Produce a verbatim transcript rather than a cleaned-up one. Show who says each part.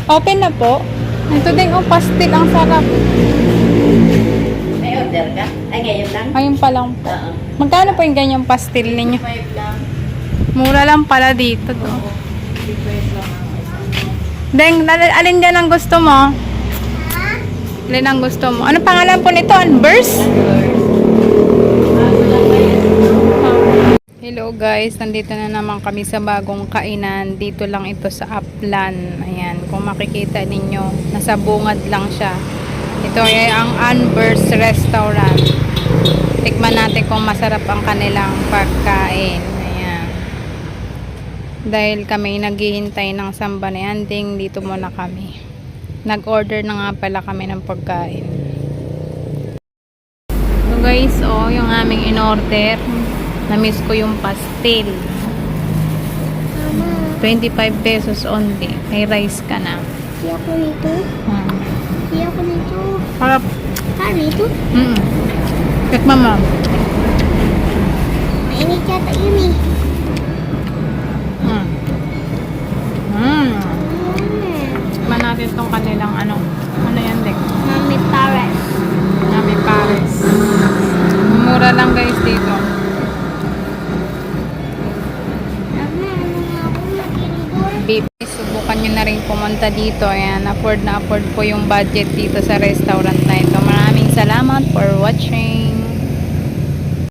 Speaker 1: Open na po. Ito din ang pastil. Ang sarap.
Speaker 2: May order ka? Ay, ngayon lang?
Speaker 1: Ayun pa lang po.
Speaker 2: Oo.
Speaker 1: Magkano po yung ganyang pastil ninyo?
Speaker 2: five lang.
Speaker 1: Mura lang pala dito to.
Speaker 2: five lang.
Speaker 1: Deng, al- alin dyan ang gusto mo? Alin ang gusto mo? Ano pangalan po nito? Unburst? Hello guys, nandito na naman kami sa bagong kainan. Dito lang ito sa Upland. Ayan, kung makikita ninyo, nasa bungad lang siya. Ito ay ang Unburst Restaurant. Tikman natin kung masarap ang kanilang pagkain. Ayan. Dahil kami naghihintay ng samba ni Anding, dito muna kami. Nag-order na nga pala kami ng pagkain. So guys, oh, yung aming in-order. Na-miss ko yung pastel. twenty-five pesos only. May rice ka na.
Speaker 3: Hindi ako nito.
Speaker 1: Hmm.
Speaker 3: Hindi ako nito.
Speaker 1: Harap.
Speaker 3: Ah, nito?
Speaker 1: Mm. Kek mama.
Speaker 3: Mainit yata yun eh.
Speaker 1: Mm. Mm.
Speaker 3: Mm.
Speaker 1: Tikman natin tong kanilang ano. Ano yan, Dek?
Speaker 3: Mami Pares.
Speaker 1: Nami Pares. Mura lang guys dito.
Speaker 3: Mama, ano nga ako naginigol?
Speaker 1: Beef. Subukan nyo na rin pumunta dito. Ayan, afford na afford po yung budget dito sa restaurant na ito. Maraming salamat for watching.